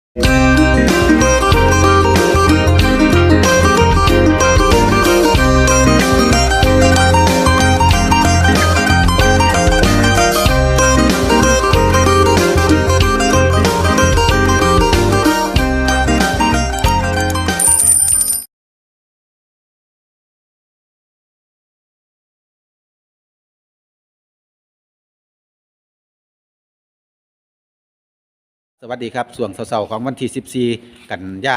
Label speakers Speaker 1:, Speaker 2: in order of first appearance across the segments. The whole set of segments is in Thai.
Speaker 1: สวัสดีครับส่วงเสาร์ของวันที่14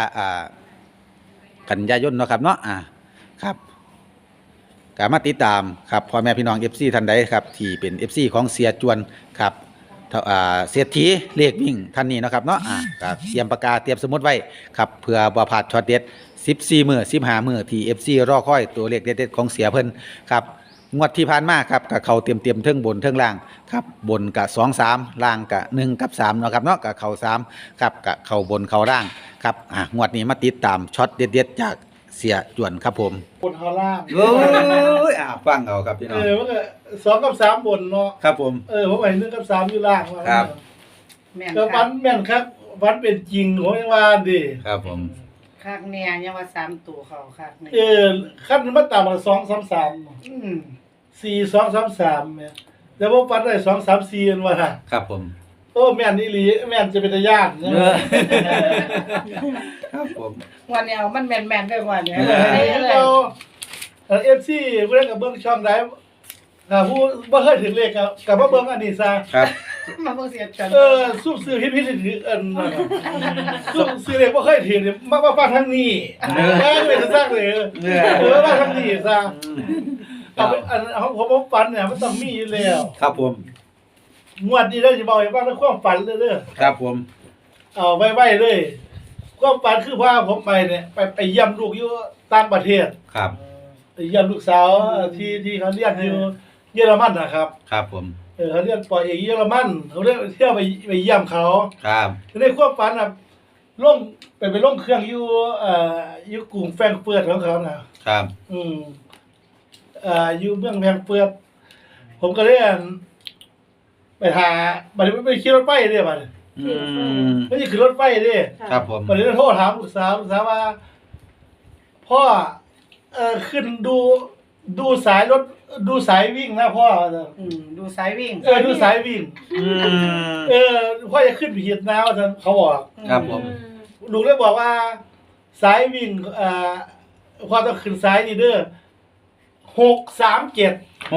Speaker 1: กันยายนเนาะครับเนาะครับก็มาติดตามครับพ่อแม่พี่น้อง FC ท่านใดครับที่เป็น FC ของเสียจวนครับเศรษฐีเลขวิ่งท่านนี้เนาะครับเนาะครับเตรียมปากกาเตรียมสมุดไว้ครับเพื่อบ่พลาดช็อตเด็ด14มื้อ15มื้อที่ FC รอคอยตัวเลขเด็ดๆของเสียเพิ่นครับงวดที่ผ่านมาครับกับเขาเตรียมเทิงบนเทิงล่างครับบนกับ2 3ล่างกับ1กับ3เนาะครับเนาะกับเขา3ครับกับเขาบนเขาล่างครับงวดนี้มาติดตามช็อตเด็ดๆจากเสียจวนครับผม
Speaker 2: บนเขาล่าง
Speaker 1: โอ้ยฟังเอาครับพี่น้อง
Speaker 2: มันก็2 กับ 3บนเนาะ
Speaker 1: ครับผม
Speaker 2: ผมไป1 กับ 3อยู่ล่าง
Speaker 1: ครับ
Speaker 2: แม่นครับวันแม่นครับวันเป็นจริงผมยังว่าดิ
Speaker 1: ครับผม
Speaker 3: คักแน่ยังว่า3ตัวเขาคักนี่
Speaker 2: คันมันต่ำกว่า2 3 3 4 2 3 3เนี่ยแต่บ่ฟันได้2 3 4อันว่า
Speaker 1: ครับผม
Speaker 2: โอ้แม่นอีหลีแม่นจะเป็นตาย่าน
Speaker 1: ครับผม
Speaker 3: วันนี้เอามันแม่นๆด้วยว่าเนี่ย
Speaker 2: FC ผู้ใดก็เบิ่งช่องใดผู้บ่เคยถึงเลขก็มาเบิ่งอันนี้ซะ
Speaker 1: ครับ
Speaker 3: มาเบิ่งเสียจัง
Speaker 2: ซุ่มซื้อผิดๆถืออันซุ่มซื้อเลขบ่เคยถือนี่มาฟังทางนี้ไม่ได้ซักเลยมาทางนี้ซะเอาอันผมฝันเนี่ยมันต้องมีอยู่แล้ว
Speaker 1: ครับผม
Speaker 2: งวดนี้ได้สิบอกให้ฟังในความฝันเด้อ
Speaker 1: ครับผม
Speaker 2: เอาไว้เลยความฝันคือว่าผมไปเนี่ยไปเยี่ยมลูกอยู่ต่างประเทศ
Speaker 1: ครับ
Speaker 2: ไปเยี่ยมลูกสาวที่เขาเรียนอยู่เยอรมันนะครับ
Speaker 1: ครับผม
Speaker 2: เขาเรียนปอเอกเยอรมันเขาเรียกเที่ยวไปเยี่ยมเขา
Speaker 1: ครับ
Speaker 2: ในความฝันน่ะลงไปลงเครื่องอยู่กรุงแฟรงก์เฟิร์ตของเขานะครับอยู่เมืองแฟรงก์เฟิร์ตผมก็เลยไปหาบัดนี้ไปขี่รถไฟเด้บัดนี้ไม่ใช่ขึ้นรถไฟเด้
Speaker 1: ครับผม
Speaker 2: บัดนี้โทรถามลูกสาวว่าพ่อขึ้นดูสายรถดูสายวิ่งนะพ่อ
Speaker 3: ดูสายวิ่ง
Speaker 2: ดูสายวิ่งพ่อจะขึ้นผิดนะว่าเขาบอก
Speaker 1: ครับผม
Speaker 2: ลูกเลยบอกว่าสายวิ่งพ่อต้องขึ้นสายนี่เด้อ637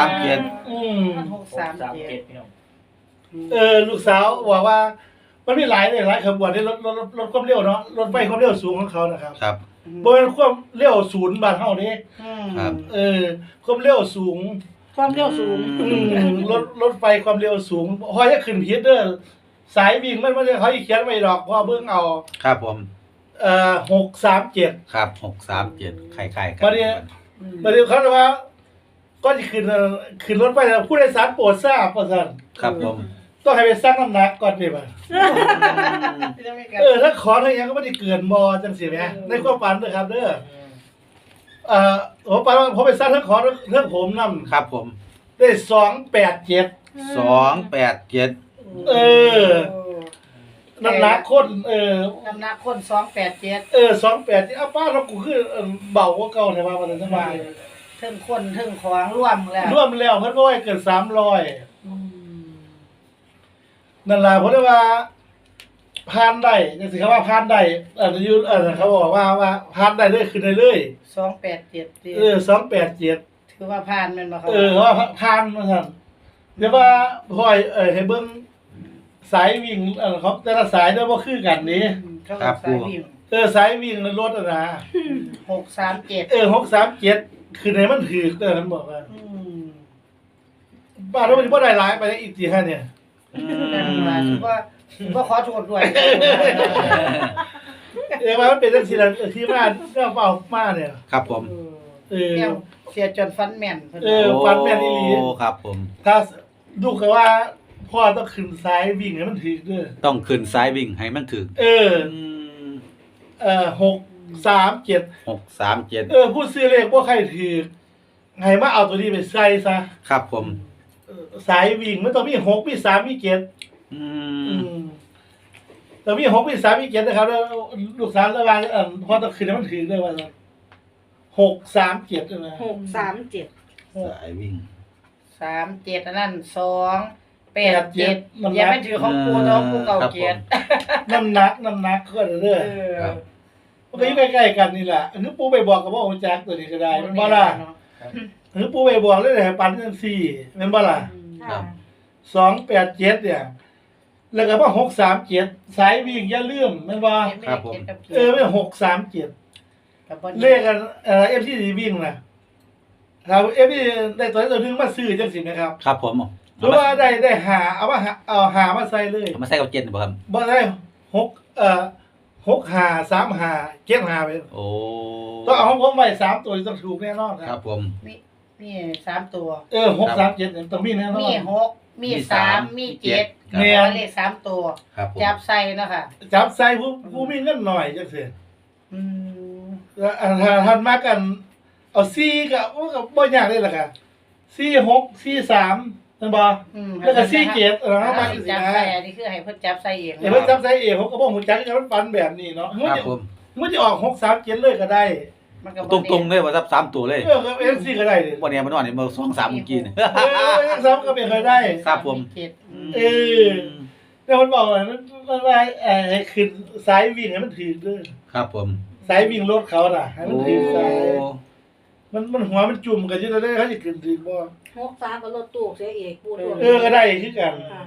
Speaker 2: ลูกสาวบอกว่ามันมีหลายขบวนที่รถความเร็วเนาะรถไฟความเร็วสูงของเขานะครับ
Speaker 1: ครับ
Speaker 2: บ่เป็นความเร็วศูนย์บ้านเฮาเด้
Speaker 1: ครับ
Speaker 2: ความเร็วสูงรถไฟความเร็วสูงพอจะขึ้นผิดเด้อสายวิ่งมันเขาสิเขียนไว้ดอกเพราะเบิ่งเอา
Speaker 1: ครับผม
Speaker 2: 637
Speaker 1: ครับ637คล้ายๆกัน
Speaker 2: บัดนี้เขาว่าก็จะขึ้นรถไฟแล้วผู้โดยสารโปรดทราบว่าซั่น
Speaker 1: ครับผม
Speaker 2: ต้องให้ไปชั่งน้ำหนักก่อนดิบ่ถ้าขอเท่ายังก็ไม่ได้เกินบ่จังซี่แหมในความฝันเด้อครับเด้ผมไปชั่งทั้งขอทั้งผมนำ
Speaker 1: ครับผม
Speaker 2: ได้287น้ำหนักคน
Speaker 3: น้ำหนักคน287
Speaker 2: 287ป้าเรากูคือเบากว่าเก่าแท้ว่ามันสบาย
Speaker 3: เทิงคนเทิงของรวมแล้ว
Speaker 2: เพิ่นบ่ให้เกิน300นั่นล่ะเพราะว่าผ่านได้จังซี่เขาว่าผ่านได้อยู่เขาบอกว่าผ่านได้เลยขึ้นได้เลย
Speaker 3: 287
Speaker 2: 287
Speaker 3: ถือว่าผ่านแม่นบ่ครับ
Speaker 2: ว่าผ่านว่าซั่นเดี๋ยวว่าพ่อยให้เบิ่งสายวิ่งเขาแต่ละสายได้บ่คือกันนี่
Speaker 1: ครับ
Speaker 3: สายวิ่ง
Speaker 2: สายวิ่งรถนะ
Speaker 3: 637
Speaker 2: 637คือไหนมันถูกมันบอกว่าบ้านเราบ่ได้หลายไปอีกทีฮะเนี่ย
Speaker 3: ก็ขอโทษด้วย
Speaker 2: ว่ามันเป็นจังซี่ล่ะที่มาเรื่องเฝ้ามาเนี่ย
Speaker 1: ครับผม
Speaker 3: เสียจนฟันแม่น
Speaker 2: ฟันแม่นอีหลี
Speaker 1: ครับผม
Speaker 2: ถ้าดูก็ว่าพ่อต้องขึ้นสายวิ่งให้มันถูกเด้อ
Speaker 1: ต้องขึ้นสายวิ่งให้มันถูก
Speaker 2: 637ผู้ซื้อเลขบ่ใครถูกให้มาเอาตัวนี้ไปใส่ซะ
Speaker 1: ครับผม
Speaker 2: สายวิ่งมันต้องมี6มี3มี7 แต่มี6มี3มี7นะครับแล้วลูกสาวระหว่างพอต้องขึ้นมันถือเลยว่า6 3 7ใช่มั้ย
Speaker 4: 637
Speaker 1: สายวิ่ง
Speaker 3: 37อันนั้น287อย่าไปถือของปูน้องปูเก่าเกียรติ
Speaker 2: น้ำหนักก็เด้อ
Speaker 1: ครับ
Speaker 2: มันก็อยู่ใกล้ๆกันนี่แหละอันนี้ปูไปบอกกับว่าโอ้จักตัวนี้ก็ได้มันบ่ล่ะอันนี้ปูไปบอกเลยให้ปันจังซี่แม่นบ่ล่ะ
Speaker 4: ค่ะ
Speaker 2: 287เนี่ยแล้วก็ว่า637สายวิ่งอย่าลืมแม่นบ่ไม่637
Speaker 3: กับบ่
Speaker 2: เลขกันFT วิ่งน่ะถ้า FT ได้ตัวนึงมาซื้อจังซี่นะครับ
Speaker 1: ครับผม
Speaker 2: หรือว่าได้หาเอาหามาใส่เลย
Speaker 1: เอามาใส่กับเจ็ดบ่ครับ
Speaker 2: บ่ได้6หา3หา7หาไป
Speaker 1: โอ้
Speaker 2: ต้องเอาของผมไว้3ตัวต้องถูกแน่นอน
Speaker 1: ครับผม
Speaker 3: มี3ตัว
Speaker 2: 6 3 7เนี่ยต้องมีแน่นอน
Speaker 3: มี6มี3มี7
Speaker 2: แม่น
Speaker 3: เลข3ตัว
Speaker 1: ครับผม
Speaker 3: จับใส่เนาะค่ะ
Speaker 2: จับใส่ผู้มีเงินหน่อยจังซี่
Speaker 3: อืม
Speaker 2: แล้วถ้าท่านมากันเอา4ก็บ่ยากเลยล่ะค่ะ4 6 4 3นั่นบ่แล้วก็4 7เอามาจังซี่
Speaker 3: จับ
Speaker 2: นะ
Speaker 3: ใส่อันนี้คือให้เพิ่นจับใส่เอง
Speaker 2: เพิ่นจับใส่เองผมก็บ่ฮู้จักกันมันฝันแบบนี้เนาะ
Speaker 1: ครับผม
Speaker 2: มันจะออก6 3 7เลยก็ได้
Speaker 3: มันก็
Speaker 1: ตรงๆเลยว่าซับ3ตัวเลย
Speaker 2: ก็ FC ก็ได้ดิ
Speaker 1: วันนี้มันนอนนี่มา2 3เมื่อกี้นี่
Speaker 2: ซ้ำก็เป็นก็ได้
Speaker 1: ครับผม
Speaker 2: เออ แต่มันบอกว่ามันว่าให้ขึ้นสายวิ่งให้มันถือเด้อ
Speaker 1: ครับผม
Speaker 2: สายวิ่งรถเขาน่ะให้มัน
Speaker 1: โอ้
Speaker 2: ถือสายมันหัวมันจุ่มกันอยู่แล้วได้เขาจะขึ้นถือบ่
Speaker 4: 63ก็รถตู้เสียเอกปูตัว
Speaker 2: ก็ได้คือกัน
Speaker 4: ค่ะ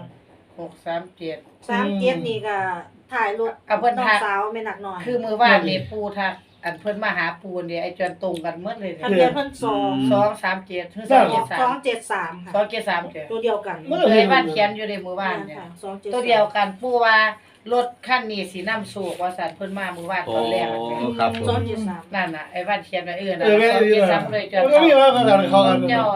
Speaker 3: 637
Speaker 4: 37นี่ก็ถ่ายรถ
Speaker 3: เอาเพิ่น
Speaker 4: น้อง
Speaker 3: ทัก
Speaker 4: สาวแม่นักน้อย
Speaker 3: คือมื้อวานนี่ปูทักอันเพิ่นมาหาปูนี่ไอ้จวนตรงกันหมดเลย
Speaker 4: ทะเบียนเพิ่น
Speaker 3: 237ถึง273
Speaker 4: 273ค่ะ
Speaker 3: 273เด้อ
Speaker 4: ตัวเดียวกัน
Speaker 3: เคยบ้านเขียนอยู่ในมื้อวานเนี่ย
Speaker 4: ค่ะ273
Speaker 3: ตัวเดียวกันปูว่ารถคันนี้สินำสู่ว่าซั่นเพิ่นมามื้อวานตอนแรก
Speaker 1: ครับผม
Speaker 4: 273
Speaker 3: นั่นน่ะไอ้บ้านเขียนไว้นะ
Speaker 2: แม่ดีนะ
Speaker 3: 273เลยจน
Speaker 2: มันก็มีว่าเขากันเขากัน
Speaker 3: เจ้า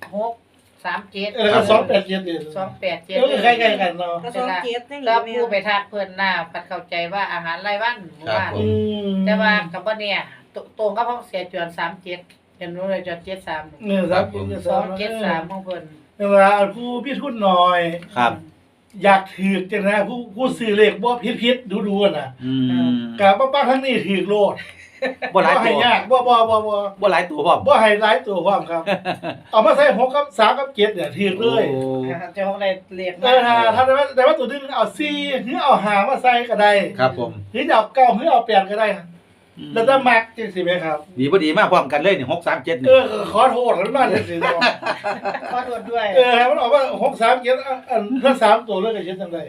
Speaker 3: 637
Speaker 2: แล้วก็287นี่
Speaker 3: 287
Speaker 2: ใกล้ๆกันเนาะ
Speaker 4: ก็27นี่
Speaker 3: แล้ว
Speaker 4: แม่
Speaker 3: ผู้ไปทักเพิ่นหน้าปัดเข้าใจว่าอาหารรายวันมื้อวาน
Speaker 1: ครับผม
Speaker 3: แต่ว่ากับบ่เนี่ยตรงกับของเสียจวน37เห็นรู้เลยจวน73
Speaker 2: เนี่ย
Speaker 3: 273ของเพิ่น
Speaker 2: เวลาผู้พี่ทุนหน่อย
Speaker 1: ครับ
Speaker 2: อยากถือจังนะผู้ซื้อเลขบ่ผิดดูๆน่ะ
Speaker 1: อืม
Speaker 2: กะป้าทั้งนี้ถือโลด
Speaker 1: บ่หลาย
Speaker 2: ให้
Speaker 1: ตัวย
Speaker 2: ากบ่
Speaker 1: บ่หลายตัวพร้อม
Speaker 2: บ่ให้หลายตัวพร้อมครับ เอามาใส่6กับ3กับ7เนี่ยถือเลย
Speaker 1: โอ้
Speaker 3: เจ้าของได้เรียก
Speaker 2: ถ้าแต่ว่าตัวนึงเอา4หรือเอา5มาใส่ก็ได้
Speaker 1: ครับผม
Speaker 2: หรือจะเอา9หรือเอา8ก็ได้แล้วแต่มักจังซี่แม่ครับ
Speaker 1: ดีบ่ดีมากพร้อมกันเลยนี่6 3 7นี่
Speaker 2: ขอโทษกันมาจังซี่เนาะ
Speaker 3: ขอโทษด้วย
Speaker 2: ให้มันออกว่า6 3 7อันถ้า3ตัวเลยก็เฮ็ดจังได๋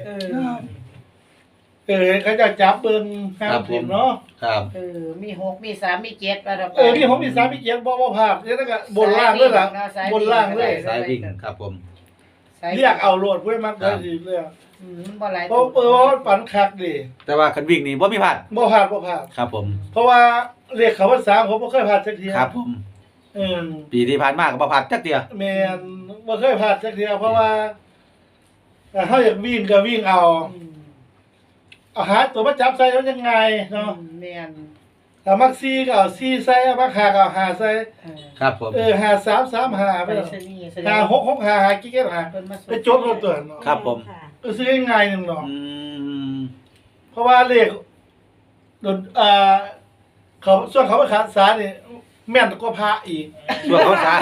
Speaker 2: เขาจะจับเบิ่งห้ามผิดเนาะ
Speaker 1: ครับ
Speaker 3: มี6มี3มี7ว่าดอก
Speaker 2: มีผมมี3มี7บ่พลาดแล้วก็บนล่างเลยล่ะบนล่างเลย
Speaker 1: สายวิ่งครับผม
Speaker 2: เรียกเอาโลดเว้ยมักได้สิเลย
Speaker 3: บ่หลาย
Speaker 2: เพราะว่ามันปันคักดิ
Speaker 1: แต่ว่าคันวิ่งนี่บ่มีพลาด
Speaker 2: บ่พลาด
Speaker 1: ครับผม
Speaker 2: เพราะว่าเรียกเขาว่า3ผมบ่เคยพลาดสักที
Speaker 1: ครับผม ปีที่ผ่านมาก็บ่พลาดจักเที่ย
Speaker 2: แม่นบ่เคยพลาดสักทีเพราะว่าเฮาอยากวิ่งก็วิ่งเอาหาตัวมาจับใส่แล้วยังไงเนาะ
Speaker 3: แม่น
Speaker 2: ถ้ามัก4ก็เอา4ใส่มัก5ก็เอา5ใส่
Speaker 1: ครับผม
Speaker 2: 5 3 3 5ไป
Speaker 3: ไป
Speaker 2: แล้ว
Speaker 3: ซะนี่แสดง
Speaker 2: 5 6 6 5 5กี่5
Speaker 3: เพิ่นมา
Speaker 2: ไปจดรถตัวเนาะ
Speaker 1: ครับผม
Speaker 2: ซื้อง่ายๆนึงเนาะ
Speaker 1: อืม
Speaker 2: เพราะว่าเลขโดนเขาส่วนเขาไปขาดสารนี่แม่นกว่าพระอีก
Speaker 1: ช่วงเขาช้า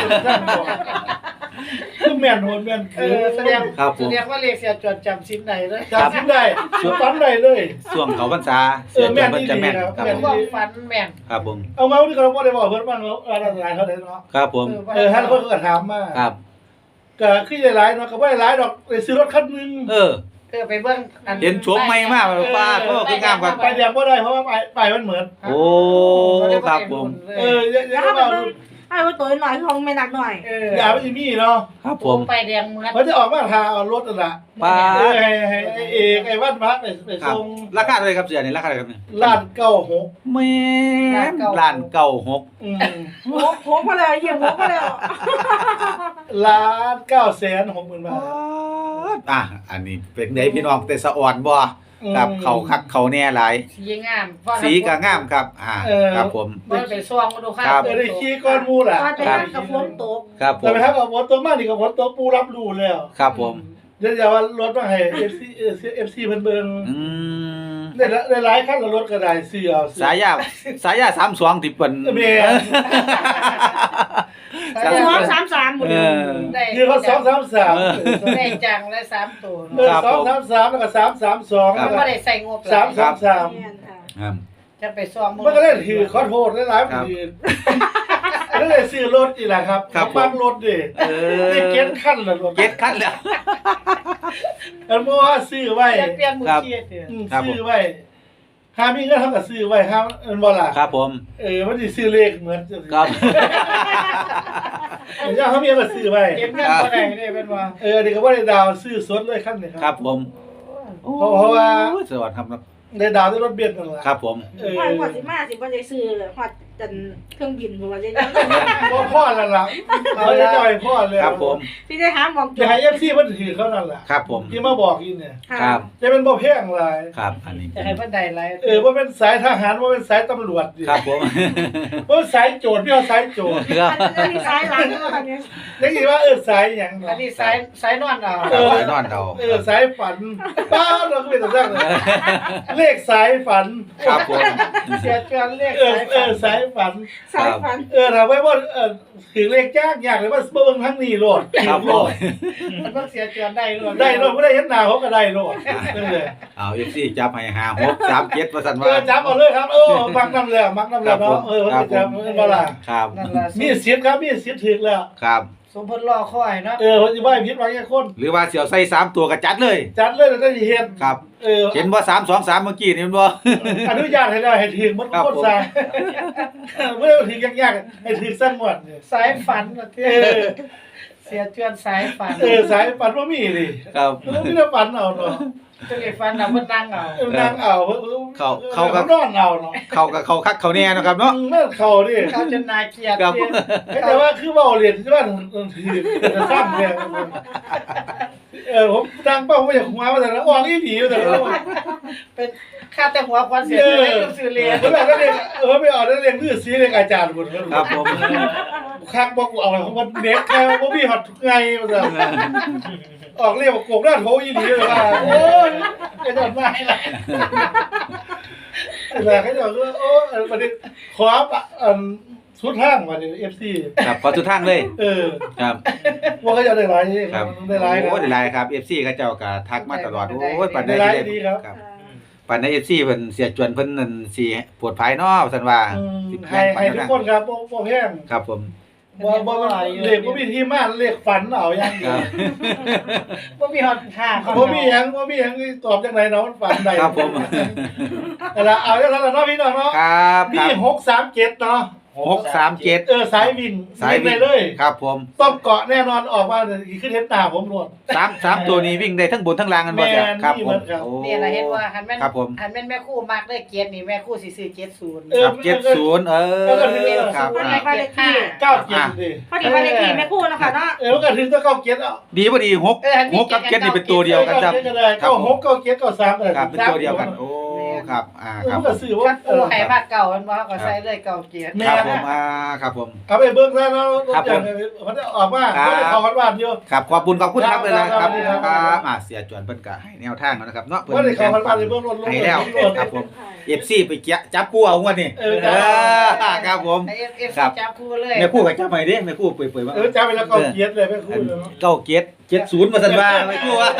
Speaker 2: คือแม่นโหนแม่นคือ
Speaker 3: แสดง
Speaker 1: ครับผม
Speaker 3: แสดงว่าเลขเสียจวนจำชิ้นไหนเลย
Speaker 2: จำสิ้นได้ฝันได้เลย
Speaker 1: ช่วงเขาพรรษาเสียจนเพิ่นจะแม่นครับผม
Speaker 3: ความฝันแม่น
Speaker 1: ครับผม
Speaker 2: เอามาวันนี้ก็บ่ได้บอกเพิ่นว่าเราหลายเท่าใดเนาะ
Speaker 1: ครับผม
Speaker 2: ท่านเพิ่นก็ถามมา
Speaker 1: ครับ
Speaker 2: ก็คือหลายเนาะก็บ่ได้หลายดอกไปซื้อรถคันนึง
Speaker 3: ไปเบิ่ง
Speaker 1: เห็นโฉมใหม่มากป้าโทษคืองามครับ
Speaker 2: ไปเดียวบ่ได้เพราะว่าไปมันเหมือน
Speaker 1: โอ้ครับผม
Speaker 2: อย่า
Speaker 4: แล้ว
Speaker 2: เอา
Speaker 4: มันให้ว่าตัวหน่อยของแม่นักหน่อย
Speaker 2: อย่าไปมีเนาะ
Speaker 1: ครับผ
Speaker 3: ผม มไปแดงเหมือน
Speaker 2: เพิ่นจะออกมาทาเอารถนั่นล่ะ
Speaker 1: ป้า
Speaker 2: ให้เอกไอ้วัดพระไป
Speaker 1: ครับ
Speaker 2: ส่ง
Speaker 1: ราคาเท่าไหร่ครับเสียนี่ราคาเท่าไหร่ครับเนี่ย
Speaker 2: ลาด96
Speaker 1: แม่ล้านเก้าหก
Speaker 4: โหมาแล้วเยี่ยมโหมาแล้ว
Speaker 2: ล้าน960,000 บาท
Speaker 1: อันนี้เป็นไงพี่น้องแต่สะอ่อนบ่ครับเขาคักเขาแน่หลาย
Speaker 3: สีงาม
Speaker 1: สีก็งามครับครับผม
Speaker 3: มันไปซ่วงมาดูค่ะ
Speaker 1: ครับ
Speaker 2: ได้ขี้ก้อนมูล่ะ
Speaker 4: ว่าจะนั่งกับฝนตก
Speaker 1: ครับผ
Speaker 2: แต่
Speaker 1: ม
Speaker 2: ไปทักกับฝนตกมานี่กับฝนตกปูรับรู้แล้ว
Speaker 1: ครับผม
Speaker 2: เดี๋ยวจะว่ารถมาให้ FC เพิ่นเบิ่ง
Speaker 1: อืม
Speaker 2: ได้หลายคันละรถก็ได้ซื้อเอา
Speaker 1: สายา32ที่เปิ้น
Speaker 2: แม่
Speaker 4: 233หมดเลย
Speaker 3: ได้
Speaker 2: คือเขา233
Speaker 3: ได้จังและ3ตัว
Speaker 2: 233แล้วก็332
Speaker 1: ครั
Speaker 3: มั
Speaker 1: บ
Speaker 3: นบ่ได้ใส่งบหลาย
Speaker 2: 333
Speaker 4: แม่นค่ะ
Speaker 1: ครับ
Speaker 3: จะไปซ่อม
Speaker 2: มันก็ได้ถือขอโทษหลายๆมันถือแล้วได้ซื้อรถอีกแหละครับบ้านรถดิ ได้เก็ตขั้นละรถ
Speaker 1: เก็ตคันแล้ว
Speaker 2: อันเมื่อว่าซื้อไว้
Speaker 3: จะเปลี่ยนมือเกียร์เด้อ
Speaker 2: ซื้อไว้หามีเงินเท่ากับซื้อไว้ครับอันบ่ล่ะ
Speaker 1: ครับผม
Speaker 2: มันสิซื้อเลขเหมือน
Speaker 1: ครับ
Speaker 2: เจ้าเขามีก็ซื้อไว้
Speaker 3: เก็บเงินบ่ได้เด้เป็นว่า
Speaker 2: อันนี้ก็บ่ได้ดาวซื้อสดเลยขั้นนี้
Speaker 1: ครับผม
Speaker 2: เพราะว่า
Speaker 1: สวัสดีครับ
Speaker 2: ได้ดาวด้วยรถเบียดนั่นล่ะ
Speaker 1: ครับผม
Speaker 4: ฮอดสิมาสิบ่ได้ซื้อฮอดจนเครื่องบินบ่ว่าจะ
Speaker 2: บ่พ่อแล้วล่ะเอาจะจ่อยพ่อเลย
Speaker 1: ครับผม
Speaker 4: สิได้หาหมอง
Speaker 2: จะให้ FC มันถือเขานั่นล่ะ
Speaker 1: ครับผม
Speaker 2: ที่มาบอกอีเนี่ย
Speaker 1: ครับ
Speaker 2: จะเป็นบ่แพงหลาย
Speaker 1: ครับอันนี้
Speaker 3: จะให้เพิ่นได้หลาย
Speaker 2: บ่เป็นสายทหารบ่เป็นสายตำรวจดิ
Speaker 1: ครับผม
Speaker 2: บ่เป็นสายโจรพี่เอาสายโจร
Speaker 1: ครับ
Speaker 4: อันนี้ซ้ายหลังเนาะค่ะเนี่ย
Speaker 2: ได้ยินว่าสายหยัง
Speaker 3: อันนี้สายนอนเอา
Speaker 1: สายนอนเรา
Speaker 2: สายฝันป้าเราก็เป็นตัวแรกเลยเลขสายฝัน
Speaker 1: ครับผม
Speaker 3: เสียจวนเลข
Speaker 2: สายฝัน
Speaker 4: ซ้ายฟัน
Speaker 2: ถามไว้ว่าถึงเลขยากอยากเลยว่าเบิ่งทั้งนี้โลด
Speaker 1: ครับผม
Speaker 3: มันต้องเสียจวนได้รวม
Speaker 2: ได้โลดไม่ได้เห็นหน้าเขาก็ได้โลดนั่นเลย
Speaker 1: เอา FC จับให้5637ว่าซั่นว่า
Speaker 2: จับเอาเลยครับมักน้ำแล้วมักน้ำแล้วเนาะว่าจะบ่ล่ะ
Speaker 1: ครับ
Speaker 3: นั่นล่ะ
Speaker 2: มีสิทธิ์ครับมีสิทธิ์ถึงแล้ว
Speaker 1: ครับ
Speaker 3: สมพลรอคอยเนาะ
Speaker 2: ว่าสิว่าผิดว่าแค่คน
Speaker 1: หรือว่าเสี่ยวใส่3ตัวก็จัดเลย
Speaker 2: จัดเลยแล้วได้เห็น
Speaker 1: ครับ เห็นว่า323เมื่อกี้นี่มันบ่
Speaker 2: อนุญาตให้ได้ให้ถึงมันโคตรซาไม่ได้ถึงยากๆให้ถึงสั้นหมด
Speaker 3: สายฝันว่าที่เสียจวนสายฝัน
Speaker 2: สายฝันบ่มีดิ
Speaker 1: ครับ
Speaker 2: มันมีแต่ฝันเอาเนาะ
Speaker 3: จะได้ฝันเอาเพิ่นนั่งเอา
Speaker 2: นั่งเอาเขานอนเอาเนาะ
Speaker 1: เขากับเขาคักเขาแน่เนาะครับเนาะ
Speaker 2: นั่นเขาดิ
Speaker 3: เขาจนนาเกลียด
Speaker 1: ครับ
Speaker 2: แต่ว่าคือเว้าเรียนที่ว่าถือจะสร้างเนี่ยผมตั้งเป้าไว้อย่างหัวว่าแต่ละออกอีหลีแต่ละ
Speaker 3: เป็นค่าแต่หัวควันเสียเลยซื้อเรียน
Speaker 2: แล้วก็เรียนไม่ออกได้เรียนคือสีเรียนอาจารย์หมด
Speaker 1: ครับผม
Speaker 2: คักบอกกูเอาอะไรของมันเน็กแค่ว่าพี่หัดทุกไงมาซะออกเรียกว่าโกงหน้าโถอีหลีเลยว่าโอ้ยไอ้ดอนไม้ละแต่เขาจะว่าโอ้ประเด็นขอสุดทางมาเนี่ย FC
Speaker 1: ครับขอทุกทางเลย ครับ
Speaker 2: ว่าเขาจะได้หลาย
Speaker 1: ครับ
Speaker 2: ได้หลาย
Speaker 1: โอ้ได้หลายครับ FC เขาเจ้าก็ทักมาตลอดโอ้ยปานใด
Speaker 2: ได้หลาย
Speaker 1: เลย
Speaker 2: ดีครับ
Speaker 1: ครับปานใด FC เพิ่นเสียจวนเพิ่นนั่นสิปวดภายเนาะว่าซั่นว่าสิแพ
Speaker 2: ให้
Speaker 1: งปาน
Speaker 2: ทุก
Speaker 1: นั้น
Speaker 2: คนครับบ่แพง
Speaker 1: ครับผม
Speaker 2: บ่เลขบ่มีที่มาเลขฝันเอาอย่างเดี
Speaker 1: ค
Speaker 2: ยว
Speaker 1: รับ
Speaker 3: บ่มีฮอดค่า
Speaker 2: บ่มีหยังตอบจังไดเนาะมันฝันได้
Speaker 1: ครับผม
Speaker 2: แต่ละเอาจังนั้นล่ะเนาะพี่น้องเนาะ
Speaker 1: ครับ
Speaker 2: มี
Speaker 1: ครับ
Speaker 2: 637เนาะ
Speaker 1: 637
Speaker 2: สายวิ่ง
Speaker 1: สายวิ่
Speaker 2: ไป
Speaker 1: ง
Speaker 2: เลย
Speaker 1: ครับผม
Speaker 2: ต้องเกาะแน่นอนออกมาขึ้นเห็นตาผมโลด
Speaker 1: 3ตัวนี้วิ่งได้ทั้งบนทั้งล่างกันบ่จ้ะ
Speaker 2: แม่น
Speaker 1: ครับ
Speaker 2: นี่
Speaker 1: ผ
Speaker 2: มั
Speaker 1: ม
Speaker 2: นครับ
Speaker 1: โอ้
Speaker 3: นี่ล่ะเห็นว่าหันแม่น
Speaker 1: ครับผม
Speaker 3: หันแม่นแม่คู่มักได้เกียรตินี่แม่คู่สิซื้อ70
Speaker 1: ครับ70ครับ
Speaker 4: วันนี้บ้านเลขที่
Speaker 2: 97ดิ
Speaker 4: พอดีบ้านเลขที่แม่คู่นะคะเนาะ
Speaker 2: มันก็ถึงต้อง97เอา
Speaker 1: ดีบ่ดี6กับ7นี่เป็นตัวเดียวกันครับ
Speaker 2: ก็6 97 93ก็ได้
Speaker 1: ครับเป็นตัวเดียวกัน โอ้ครับครั
Speaker 2: มั
Speaker 1: บ
Speaker 2: นก็ซื้อว่า
Speaker 3: กันปูให้ภาคเก่ามันบ่เขาก็ใส่เลยเก่าเกียรติ
Speaker 1: ครับผมครับผม
Speaker 2: เอาไปเบิ่งแล้วเนาะ
Speaker 1: ครับผม
Speaker 2: มันจะออกมา
Speaker 1: ครับ
Speaker 2: บ่ได้เข้าวัดบ้านอยู่
Speaker 1: ครับขอบคุณครับเลยนะครับ
Speaker 2: ครับ
Speaker 1: ครับเสียจวนเพิ่นก็ให้แนวทางแล้วนะครับเนาะเพิ่น
Speaker 2: บ่ได้เข้าวัดบ้านเลยเบิ่งรถลง
Speaker 1: ให้แล้วครับผม FC ไปจับคู่เอางวดนี่ครับผม
Speaker 3: ให้ FC
Speaker 1: ครับ
Speaker 3: จับคู่เลย
Speaker 1: แม่คู่ก็จับให้เด้แม่คู่เปื่อยๆว่า
Speaker 2: จำไปแล้วก็เกียรติเลยไม่คุยเลย
Speaker 1: เก้าเกียรติ70ว่าซั่นว่าแม่คู่ว่า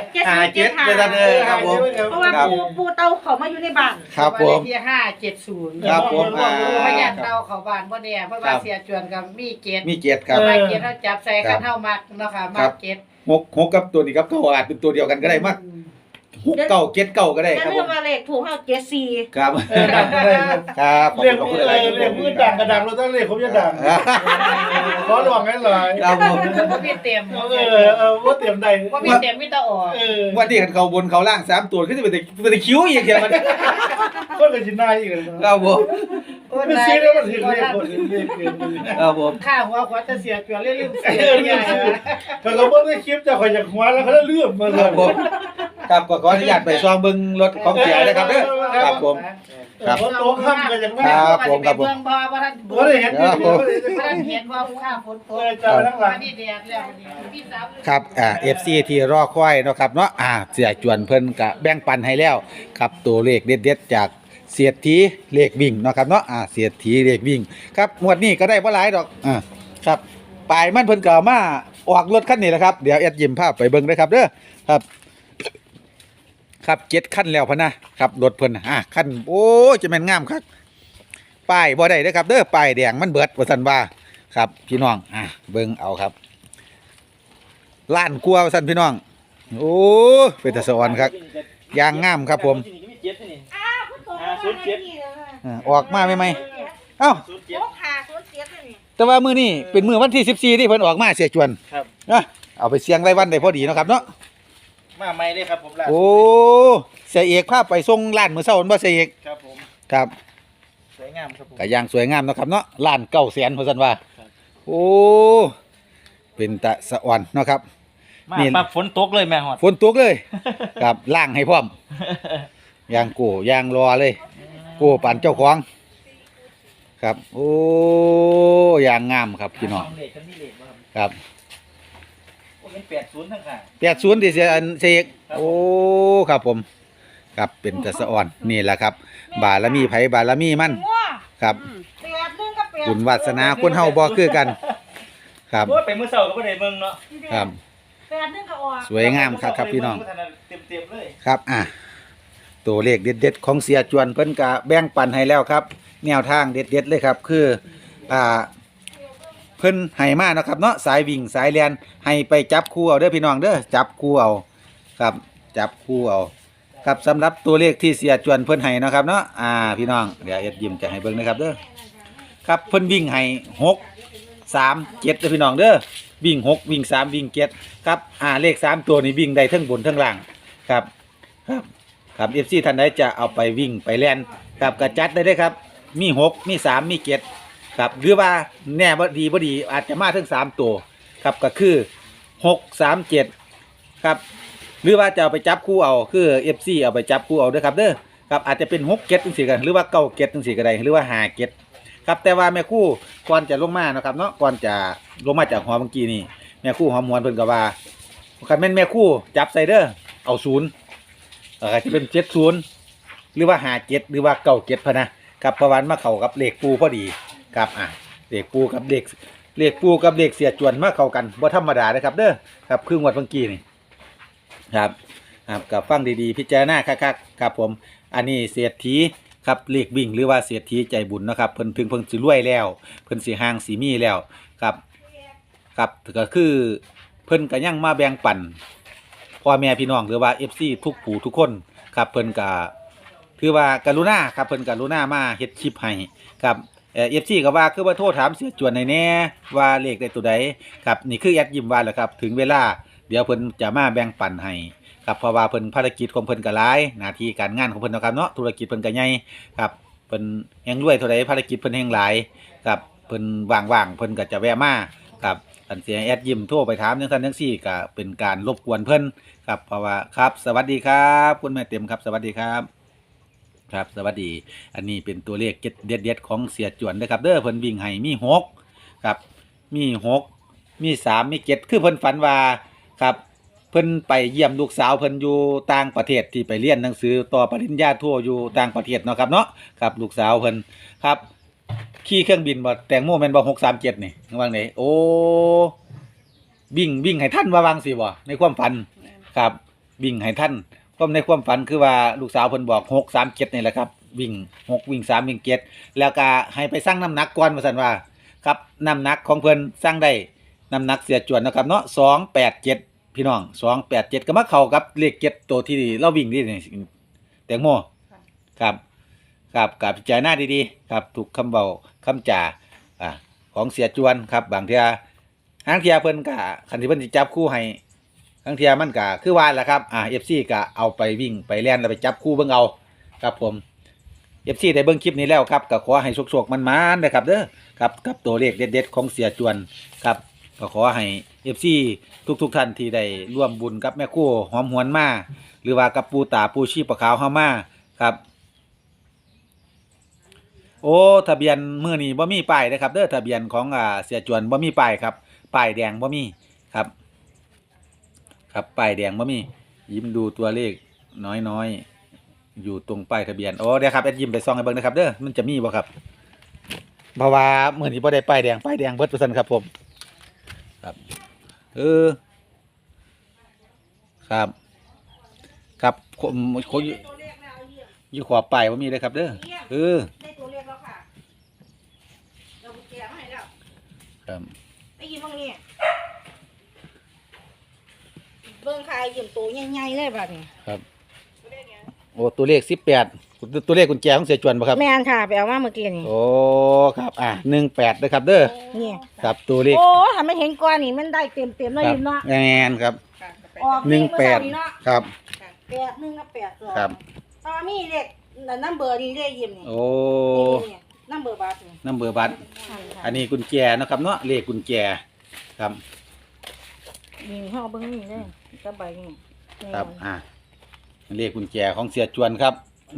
Speaker 1: 57ว่าซั่นครับผม
Speaker 4: เพราะว่าปูเตาเขามาอยู่ในบ้าน
Speaker 1: ครับผม
Speaker 3: ที่570
Speaker 1: ครับผม
Speaker 3: เพราะญาติเตาเขาบ้านบ่แน่เพราะว่าเสียจวนกับมีเกียรติ
Speaker 1: มีเกียรติครับ
Speaker 3: มาเกียรติเฮาจับใส่กันเฮามักเนาะค่ะมักเกียรติ
Speaker 1: 6กับตัวนี้ครับก็อาจเป็นตัวเดียวกันก็ได้มั้ง6 9 7 9ก็ได้
Speaker 4: จะ
Speaker 1: ครับ
Speaker 4: เรื่
Speaker 1: ผ
Speaker 4: อง
Speaker 1: ม
Speaker 4: ว่าเลขถูกเฮา74
Speaker 1: ครับ
Speaker 2: ดังอะไร
Speaker 1: ครับขอบ
Speaker 2: เรียก
Speaker 1: คุณ
Speaker 2: เรียกมือดังกระดังเราต้องเรียกผมจะดังขอลองให้หน่อย
Speaker 1: ครับผม
Speaker 3: บ่มีเต็ม
Speaker 2: ว่าเตรียมใด
Speaker 3: บ่มีเต็มมีแต่ออก
Speaker 1: วันที่เขาบนเขาล่าง3ตัวก็จะเป็นคิ้วอีกเดียวมัน
Speaker 2: คนกับชินายอีกเลย
Speaker 1: ครับผม
Speaker 2: ไม่ซื้อแล้วมันถึงเรียกคนเรียกเกิน
Speaker 1: ครับผม
Speaker 3: ค่าหัวขวาจะเสียจวนลืมเสีย
Speaker 2: แต่ก็เมื่อได้คลิปจะคอยจากหัวแล้วเขาเลื่อมมา
Speaker 1: ค
Speaker 2: เล
Speaker 1: รับ
Speaker 2: ย
Speaker 1: ผมครับก็ขออนุญาตไปซองเบิ่งรถของเสียนะครับเด้อครับผม ครับ
Speaker 2: ฝนตกค่ำก็ยังไม่
Speaker 1: ครับผมครับผม
Speaker 3: เบิ่งบ่ว่าท่าน
Speaker 2: บ่ได้เห็นอยู่บ่ได้เห็น
Speaker 3: บ่ท่านเห็นว่าข้าฝนตก
Speaker 2: จะไปทั้งหลัง
Speaker 3: วันนี้แดดแล้ววันนี้พี่สาว
Speaker 1: ครับFC ที่รอคอยเนาะครับเนาะเสียจวนเพิ่นก็แบ่งปันให้แล้วครับตัวเลขเด็ดๆจากเสียทีเลขวิ่งเนาะครับเนาะเสียทีเลขวิ่งครับงวดนี้ก็ได้บ่หลายดอกครับปลายมันเพิ่นก็เอามาออกรถคันนี้แหละครับเดี๋ยวแอดยิ้มภาพไปเบิ่งเด้อครับเด้อครับ7คันแล้วพะนะครับรถเพิ่นคันโอ้จะแม่นงามคักป้ายบ่ได้เด้อครับเด้อป้ายแดงมันเบิดว่าซั่นว่าครับพี่น้องเบิ่งเอาครับล้านกว่าว่าซั่นพี่น้องโอ้เป็นตาสะออนครับยางงามครับผมออกมาใหม่ๆเอ้า
Speaker 4: โอ้ขาโคตรเสียเลยนี่
Speaker 1: แต่ว่ามื้อนี้เป็นมื้อวันที่14ที่เพิ่นออกมาเสียจวน
Speaker 2: ครับ
Speaker 1: เอาไปเสี่ยงรายวันได้พอดีเนาะครับเนาะ
Speaker 2: มาใหม่เลยครับผมล่ะ
Speaker 1: โอ้เสียเอกพาไปส่งร้านมื้อเช้าบ่เสียเอก
Speaker 2: ครับผม
Speaker 1: ครับ
Speaker 2: สวยงามครับผม
Speaker 1: ก็อย่างสวยงามเนาะครับเนาะร้าน900,000ว่าซั่นว่า
Speaker 2: ครับ
Speaker 1: โอ้เป็นตะสะอ่อนเนาะครับ
Speaker 2: มา
Speaker 1: นี่
Speaker 2: ปั๊บฝนตกเลยแม่ฮอด
Speaker 1: ฝนตกเลย ครับล้างให้พร้อมยางโก้ยางรอเลยโก้ปานเจ้าของครับโอ้ยางงามครับพี่น้อง
Speaker 2: เลขกันนี่เลขบ่ครับ
Speaker 1: ครับ
Speaker 2: โอ้เป็น80ทั้งข้าง
Speaker 1: 80ที่เสียอันเสกโอ้ครับผมครับเป็นตะสะอ่อนนี่แหละครับ บารมีไผบารมีมันครับ
Speaker 4: 8 1กับ8
Speaker 1: บุญวาสนาคนเฮาบ่คือกัน ครับ
Speaker 2: โอ้ยไปมื้อเช้าก็บ่ได้เบิ่งเนาะ
Speaker 1: ครับ
Speaker 4: 8 1ก็ออก
Speaker 1: สวยงามครับพี่น้อง
Speaker 2: เต็มๆเลย
Speaker 1: ครับตัวเลขเด็ดๆของเสียจวนเพิ่นก็แบ่งปันให้แล้วครับ แนวทางเด็ดๆเลยครับ คือเพิ่นให้มาเนาะครับเนาะสายวิ่งสายแล่นให้ไปจับคู่เอาเด้อพี่น้องเด้อจับคู่เอาครับจับคู่เอาครับสำหรับตัวเลขที่เสียจวนเพิ่นให้เนาะครับเนาะพี่น้องเดี๋ยวเอ็ดยิ้มจะให้เบิ่งนะครับเด้อครับเพิ่นวิ่งให้6 3 7เด้อพี่น้องเด้อวิ่ง6วิ่ง3วิ่ง7ครับเลข3ตัวนี้วิ่งได้ทั้งบนทั้งล่างครับครับ FC ท่านใดจะเอาไปวิ่งไปแล่นครับก็จัดได้เด้อครับมี6มี3มี7ครับหรือว่าแน่บ่ดีอาจจะมาถึง3ตัวครับก็คือ6 3 7ครับหรือว่าจะเอาไปจับคู่เอาคือ FC เอาไปจับคู่เอาเด้อครับเด้อครับอาจจะเป็น6 7จังซี่กันหรือว่า9 7จังซี่ก็ได้หรือว่า5 7ครับแต่ว่าแม่คู่ก่อนจะลงมานะครับเนาะก่อนจะลงมาจากหอเมื่อกี้นี่แม่คู่หอมหวนเพิ่นก็ว่าคันแม่นแม่คู่จับใส่เด้อเอา0อาจจะเป็น70หรือว่า57หรือว่า97พะนะครับประวันมาเข้ากับเลขปูพอดีครับเลขปูกับเลขปูกับเลขเสียจวนมาเข้ากันบ่ธรรมดานะครับเด้อครับคืองวดเมื่อกี้นี่ครับกับฟังดีๆพิจารณาคักๆครับผมอันนี้เศรษฐีครับเลขวิ่งหรือว่าเศรษฐีใจบุญนะครับเพิ่นถึงเพิ่นสิรวยแล้วเพิ่นสิห่างสิมีแล้วครับก็คือเพิ่นก็ยังมาแบ่งปันพ่อแม่พี่น้องหรือว่า FC ทุกผู้ทุกคนครับเพิ่นก็คือว่ากรุณาครับเพิ่นกรุณามาเฮ็ดคลิปให้ครับFC ก็ว่าคือว่าโทรถามเสียจวนให้แน่ว่าเลขได้ตัวใดครับนี่คือแอดยิ้มว่าแหละครับถึงเวลาเดี๋ยวเพิ่นจะมาแบ่งปันให้ครับเพราะว่าเพิ่นภารกิจของเพิ่นก็หลายหน้าที่การงานของเพิ่นเนาะครับเนาะธุรกิจเพิ่นก็ใหญ่ครับเพิ่นแฮงรวยเท่าใดภารกิจเพิ่นแฮงหลายครับเพิ่นว่างๆเพิ่นก็จะแวะมาครับอันเสียแอดยิ้มโทรไปถามจังซั่นจังซี่ก็เป็นการรบกวนเพิ่นครับเพราะว่าครับสวัสดีครับคุณแม่เต็มครับสวัสดีครับครับสวัสดีอันนี้เป็นตัวเลขเด็ดๆของเสียจวนนะครับเด้อเพิ่นวิ่งให้มี6ครับมี6มี3มี7คือเพิ่นฝันว่าครับเพิ่นไปเยี่ยมลูกสาวเพิ่นอยู่ต่างประเทศที่ไปเรียนหนังสือต่อปริญญาโทอยู่ต่างประเทศเนาะครับเนาะครับลูกสาวเพิ่นครับขี่เครื่องบินบ่แตงโมแม่นบ่637นี่ว่าไงโอ้วิ่งให้ท่านว่าวางสิบ่ในความฝันครับวิ่งให้ท่านความในความฝันคือว่าลูกสาวเพิ่นบอก637นี่แหละครับวิ่ง6วิ่ง3วิ่ง7แล้วก็ให้ไปสั่งน้ำหนักก่อนว่าซั่นว่าครับน้ำหนักของเพิ่นสั่งได้น้ำหนักเสียจวนนะครับเนาะ287พี่น้อง287ก็มาเข้ากับเลข7ตัวที่เราวิ่งนี่แตงโมครับกับพิจารณาดีๆครับถูกคำเว้าคำจ่าของเสียจวนครับบางเทื่อทางเทื่อเพิ่นก็คันที่เพิ่นสิจับคู่ให้ทางเทื่อมันก็คือว่าแหละครับFC ก็เอาไปวิ่งไปแล่นแล้วไปจับคู่เบิ่งเอาครับผม FC ได้เบิ่งคลิปนี้แล้วครับก็ขอให้โชคๆมันๆนะครับเด้อครับกับตัวเลขเด็ดๆของเสียจวนครับก็ขอให้ FC ทุกท่านที่ได้ร่วมบุญกับแม่ครู่หอมหวนมาหรือว่ากับปูตาปูชีปะขาวเฮามาครับโอ้ทะเบียนมื้อนี้บ่มีป้ายนะครับเด้อทะเบียนของเสียจวนบ่มีป้ายครับป้ายแดงบ่มีครับครับป้ายแดงบ่มียิ้มดูตัวเลขน้อยๆอยู่ตรงป้ายทะเบียนโอ้เดี๋ยวครับแอดยิ้มไปส่องให้เบิ่งนะครับเด้อมันจะมีบ่ครับเพราะว่ามื้อนี้บ่ได้ป้ายแดงเบิดว่าซั่นครับผมครับครับครับคนอยู่ขวาป้ายบ่มีเลยครับเด้อ
Speaker 4: ได้ตัวเลขแล้วค่ะเรากุญแจมาให้แล้ว
Speaker 1: ครับ
Speaker 4: ไอ้ยิ้มบ้างนี่เบิ่งค่ะไอ้ยิ้มตัวใหญ่ๆเลยแบบนี้
Speaker 1: ครับโอ้ตัวเลข18ตัวเลขกุญแจของเสียจวนบ่ครับ
Speaker 4: แม่นค่ะไปเอามาเมื่อกี้นี่
Speaker 1: โอ้ครับ18เด้อครับเด้อ
Speaker 4: นี่
Speaker 1: ครับตัวเลข
Speaker 4: โอ้ถ้ามันเห็นก้อนนี่มันได้เต็มๆเลยยิ้มเนาะ
Speaker 1: แม่นครับ
Speaker 4: ออกเลขเมื่อเช้านี้เนาะ
Speaker 1: 18ครับ
Speaker 4: 81กับ82
Speaker 1: ครับ
Speaker 4: ตอนมีเลขนัมเบอร์นี่เลขยิ้มนี่
Speaker 1: โอ้
Speaker 4: นี่นัมเบอร์บัตรนี่
Speaker 1: นัมเบอร์บัตรอันนี้กุญแจเนาะครับเนาะเลขกุญแจครับ
Speaker 4: นี่เฮาเบิ่งนี่เลยกับใบนี่
Speaker 1: ครับเลขกุญแจของเสียจวนครับ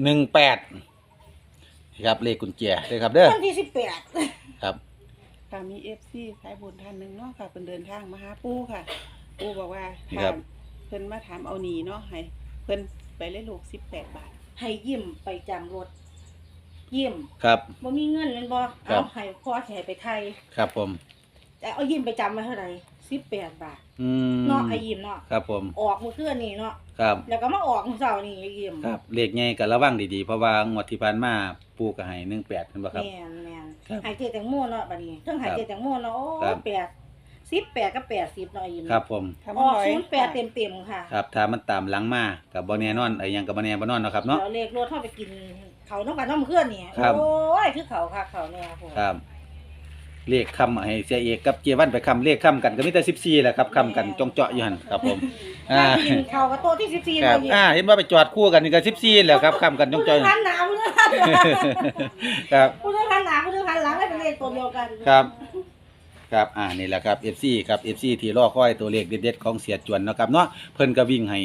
Speaker 1: 18ครับเลขกุญแจเด้อครับเด้อ
Speaker 4: วันที่18
Speaker 1: ครับ
Speaker 5: ค่ะมีFC สายบุญท่านหนึงเนาะค่ะเพิ่นเดินทางมาหาปู่ค่ะปู่บอกว่า
Speaker 1: ครั
Speaker 5: ถา
Speaker 1: บ
Speaker 5: มเพิ่นมาถามเอาหนีเนาะให้เพิ่นไปเล่นลูก18 บาท
Speaker 4: ให้ยิ้มไปจำรถยิ้ม
Speaker 1: ครับ
Speaker 4: บ่มีเงินแม่นบ่
Speaker 1: ครั
Speaker 4: เอา
Speaker 1: บ
Speaker 4: ให้พ่อสิให้ไปไทย
Speaker 1: ครับผม
Speaker 4: แต่เอายิ้มไปจำไว้เท่าไหร่18 บาท
Speaker 1: อืม
Speaker 4: เนาะไอ้ยิ้มเนาะ
Speaker 1: ครับผม
Speaker 4: ออกมื้อคืนนี่เนาะ
Speaker 1: ครับ
Speaker 4: แล้วก็มาออกมื้อเช้านี่ไอ้ยิ้ม
Speaker 1: ครับเลขใหญ่ก็ระวังดีๆเพราะว่างวดที่ผ่านมาปู่ก็ให้18เห็นบ่ครับ
Speaker 4: แม่นแม่น
Speaker 1: ครับ
Speaker 4: หายใจแตงโมเนาะบัดนี้เทั้งหายใจแตงโมเนาะโอ้
Speaker 1: ครับ
Speaker 4: 18กับ80เนาะไอ้ยิ้ม
Speaker 1: ครับผม
Speaker 5: ถ้า
Speaker 4: อ
Speaker 5: มัน
Speaker 4: อก
Speaker 5: ร้อย
Speaker 4: 08เต็มๆค่ะ
Speaker 1: ครับถ้ามันตามหลังมาก็บ่แน่นอนไอ้หยังก็บ่แน่บ่นอนเนาะครับเนาะ
Speaker 4: แล้วเลขรถเฮาไปกินเขานำกันเนาะมื้อคืนนี่
Speaker 1: ครับ
Speaker 4: โอ้ยคือเขาค่ะเขาแน่พุ่น
Speaker 1: ครับเลขคำให้เสียเอกกับเจวันไปคำเลขคำกันก็มีแต่14แหละครับคำกันจงเจาะอยู่หั่นครับผม
Speaker 4: กินเขากับโต๊ะที่14
Speaker 1: ครับ
Speaker 4: เลย
Speaker 1: เห็นว่าไปจอดคู่กันนี่ก็14แล้วครับคำกันจงเจาะอยู่
Speaker 4: หันหน้าผู้นึงหันหลัง
Speaker 1: ครับ
Speaker 4: ผู้นึงหันหน้าผู้นึงหันหลังให้เป็นเลขตัวเดียวกัน
Speaker 1: ครับครับนี่แหละครับ FC ครับ FC ที่รอคอยตัวเลขเด็ดๆของเสียจวนเนาะครับเนาะเพิ่นก็วิ่งให้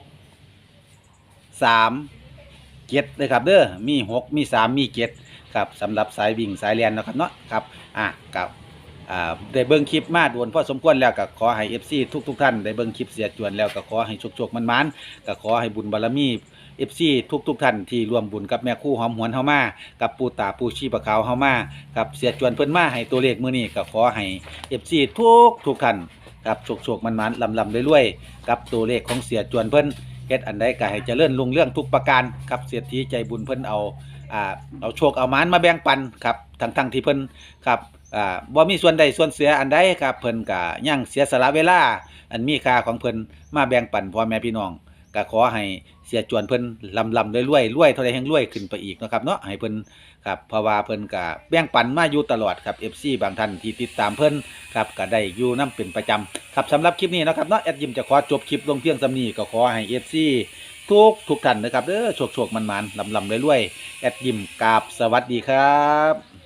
Speaker 1: 6 3 7เลยครับเด้อมี6มี3มี7ครับสำหรับสายวิ่งสายเรียนเนาะครับเนาะครับกับได้เบิ่งคลิปมาโดนพอสมควรแล้วก็ขอให้ FC ทุกท่านได้เบิ่งคลิปเสียจวนแล้วก็ขอให้โชคๆมันๆก็ขอให้บุญบารมี FC ทุกท่านที่ร่วมบุญกับแม่ครู่หอมหวนเฮามากับปู่ตาปู่ชีปะขาวเฮามากับเสียจวนเพิ่นมาให้ตัวเลขมื้อนี้ก็ขอให้ FC ทุกท่านครับโชคๆมันๆลำๆรวยๆกับตัวเลขของเสียจวนเพิ่นเฮ็ดอันใดก็ให้เจริญรุ่งเรืองทุกประการครับเศรษฐีใจบุญเพิ่นเอาโชคเอาหมานมาแบ่งปันครับทั้งที่เพิ่นครับบ่มีส่วนใดส่วนเสียอันใดครับเพิ่นก็ยังเสียสละเวลาอันมีค่าของเพิ่นมาแบ่งปันพ่อแม่พี่น้องก็ขอให้เสียจวนเพิ่นลำรวยเท่าใดแห่งรวยขึ้นไปอีกเนาะครับเนาะให้เพิ่นครับเพราะว่าเพิ่นก็แบ่งปันมาอยู่ตลอดครับ FC บางท่านที่ติดตามเพิ่นครับก็ได้อยู่นํเป็นประจำครับสำหรับคลิปนี้เนาะครับเนาะแอดยิมจะขอจบคลิปลงเพียงส่ำนี้ก็ขอให้ FC ทุกท่านนะครับเด้อโชคๆมันๆลำรวยๆแอดยิมกราบสวัสดีครับ